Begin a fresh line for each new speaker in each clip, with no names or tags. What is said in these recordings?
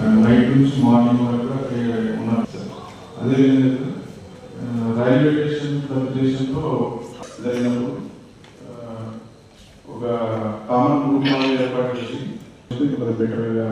Night నుంచి morning వరకు అక్కడ ఉన్నారు సార్. అదేవిధంగా రైల్వే స్టేషన్లో జరిగినప్పుడు ఒక కామన్ గ్రూప్ ఏర్పాటు చేసి బెటర్గా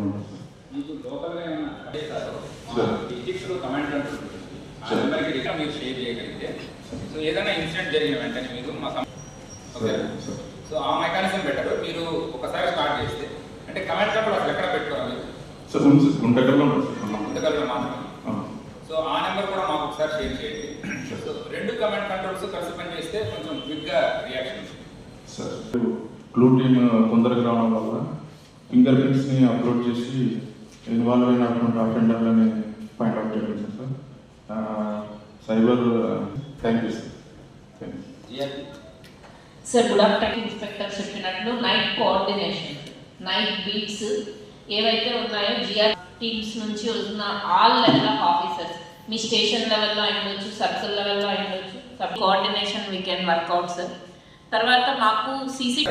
మీరు షేర్ చేయగలిగితే సో ఏదైనా ఇన్సిడెంట్ జరిగిన వెంటనే మీరు మా సో ఆ మెకానిజం బెటర్. మీరు ఒకసారి స్టార్ట్ చేస్తే అంటే కమాండ్ కంట్రోల్ అసలు ఎక్కడ పెట్టుకోవాలి
సార్? గుంటకల్లో
మాత్రమే. సో ఆ నెంబర్ కూడా మాకు ఒకసారి షేర్ చేయండి. సో రెండు కమాండ్ కంట్రోల్స్ కలిసి పని చేస్తే కొంచెం క్విక్గా రియాక్షన్
సార్. బ్లూ టీమ్ తొందరగా రావడం వల్ల ఫింగర్ ప్రింట్స్ని అప్లోడ్ చేసి ఇన్వాల్వ్ అయినటువంటి అఫెండర్లని పాయింట్ అవుట్ చేయలేదు sir. Cyber thank you sir.
Sir good afternoon. Inspector చెప్పినట్లు నైట్ కోఆర్డినేషన్, నైట్ బీట్స్ ఏవైతే ఉన్నాయో జిఆర్ టీమ్స్ నుంచి ఉన్న ఆల్ లెవెల్ ఆఫ్ ఆఫీసర్స్, మీ స్టేషన్ లెవెల్లో అయ్యొచ్చు, సర్కిల్ లెవెల్లో అయ్యొచ్చు, sub coordination we can work out sir. తర్వాత మాకు CC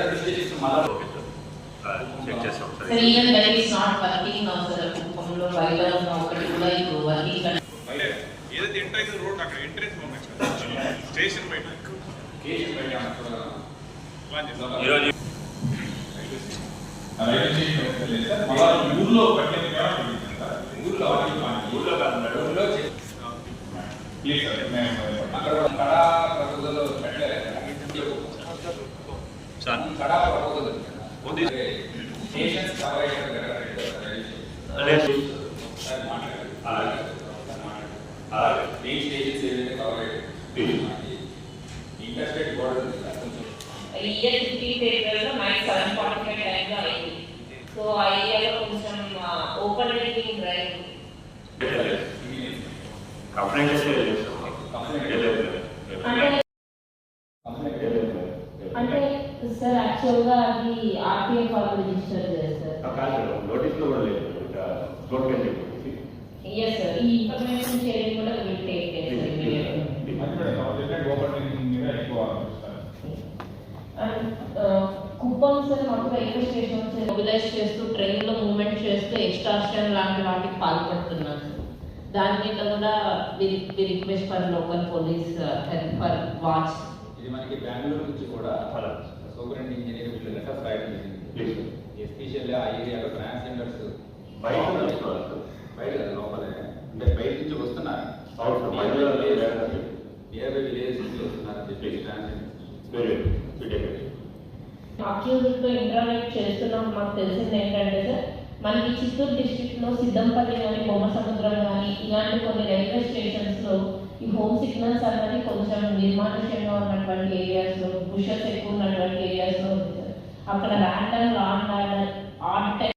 even that is not working now sir. కుప్పంలో బయట ఉన్న ఒకటి కూడా ఇప్పుడు వర్కింగ్
ఏదైతే ఎంట్రైజ్ రోడ్ అక్కడ ఎంట్రెన్స్ పంపించారు స్టేషన్ బయట
ఊర్లో ఇంటర్స్టేట్ బోర్డర్
ఇయర్ 15 ఫేబ్రవరిలో నైట్ 7:45 టైంలో అయింది. సో ఆ ఏరియాలో కొంచెం ఓపెన్ రీడింగ్ డ్రైవ్ అంటే సార్ యాక్చువల్గా అది ఆర్టీఎఫ్ వాళ్ళు రిజిస్టర్ చేస్తారు.
నోటీస్లో కూడా లేదు.
Yes sir. ఈ ఇన్ఫర్మేషన్ షేరింగ్ కూడా will take place. Kuppam sir మాకు రైల్వే స్టేషన్స్ మొబిలైజ్ చేస్తూ ట్రైన్లో మూవ్మెంట్ చేస్తూ ఎక్స్ట్రాక్షన్ లాంటి వాటికి పాల్పడుతున్నారు. దాని మీద కూడా request for local police help for watch.
ఇది మనకి బెంగళూరు నుంచి కూడా సూపరింట్ ఇంజనీర్ వీళ్ళు లెటర్ రాయడం జరిగింది. ఎస్పెషల్లీ ఆ ఏరియాలో ట్రాన్స్జెండర్స్ బయట లోపలే అంటే బయట నుంచి వస్తున్నారు, నియర్ బై విలేజ్ నుంచి వస్తున్నారని చెప్పేసి
అక్యూజ్తో ఇంటరాక్ట్ చేస్తున్నాం. మాకు తెలిసింది ఏంటంటే సార్, మనకి చిత్తూరు డిస్ట్రిక్ట్లో సిద్ధంపల్లి కానీ బొమ్మ సముద్రం కానీ ఇలాంటి కొన్ని రైల్వే స్టేషన్స్లో ఈ హోమ్ సిగ్నల్స్ అన్నది కొంచెం నిర్మానుష్యంగా ఉన్నటువంటి ఏరియాస్లో, బుషెస్ ఎక్కువ ఉన్నటువంటి ఏరియాస్లో ఉంది సార్. అక్కడ random law and order odd time